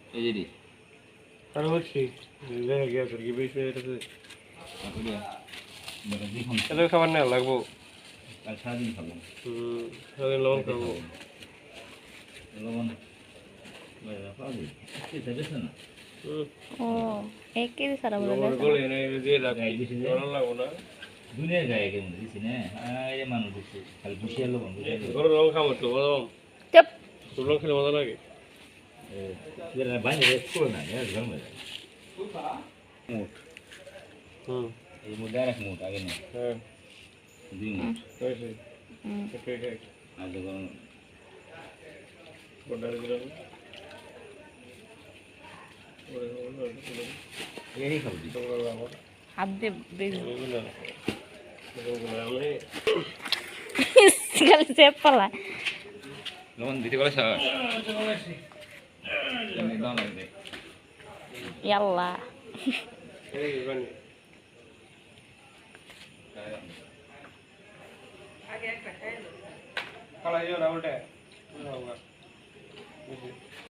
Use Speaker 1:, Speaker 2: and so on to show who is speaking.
Speaker 1: এই যে রে
Speaker 2: আর হচ্ছে দেখা গিয়েছে কি বেশি এটাতে
Speaker 1: তারপরে বেটা দেখুন
Speaker 2: এটা খাবার না লাগবো
Speaker 1: কাল সারাদিন খাবো
Speaker 2: সারাদিন লবণ খাবো
Speaker 1: লবণ পাওয়া যায় খেতে বেছে না
Speaker 3: ও 1 কেজি সারা বলে
Speaker 2: লবণ
Speaker 3: গেছে
Speaker 2: গলে এনে দিয়ে রাখি
Speaker 1: গায়ে দিছি যে
Speaker 2: গরম লাগবো না
Speaker 1: দুনিয়ার গায়ে কেমন দিছি না এই মানুষ দিচ্ছে খালি বুঝিয়ে লবণ বুঝিয়ে
Speaker 2: গরম লবণ খাবো তো গরম
Speaker 3: চুপ
Speaker 2: লবণ খেলে মজা লাগে
Speaker 1: বাইরে করে না ঘর মধ্যে মুঠ
Speaker 2: হুম
Speaker 1: এই মধ্যে আর এক মুঠ আগে নেই
Speaker 2: হ্যাঁ
Speaker 1: 2 মুঠ
Speaker 2: হয়েছে
Speaker 3: হুম
Speaker 2: ওকে ওকে
Speaker 1: আর যখন
Speaker 2: বড় দিলাম
Speaker 1: এই খাবো দি
Speaker 3: হাত দিয়ে বেশ
Speaker 2: আমি
Speaker 3: খালি চেপ পালা
Speaker 1: লবণ দিতে পারে স্যার দাও লাগবে
Speaker 3: ইয়াল্লা
Speaker 2: এই বানি কালা ইয়া না উল্টা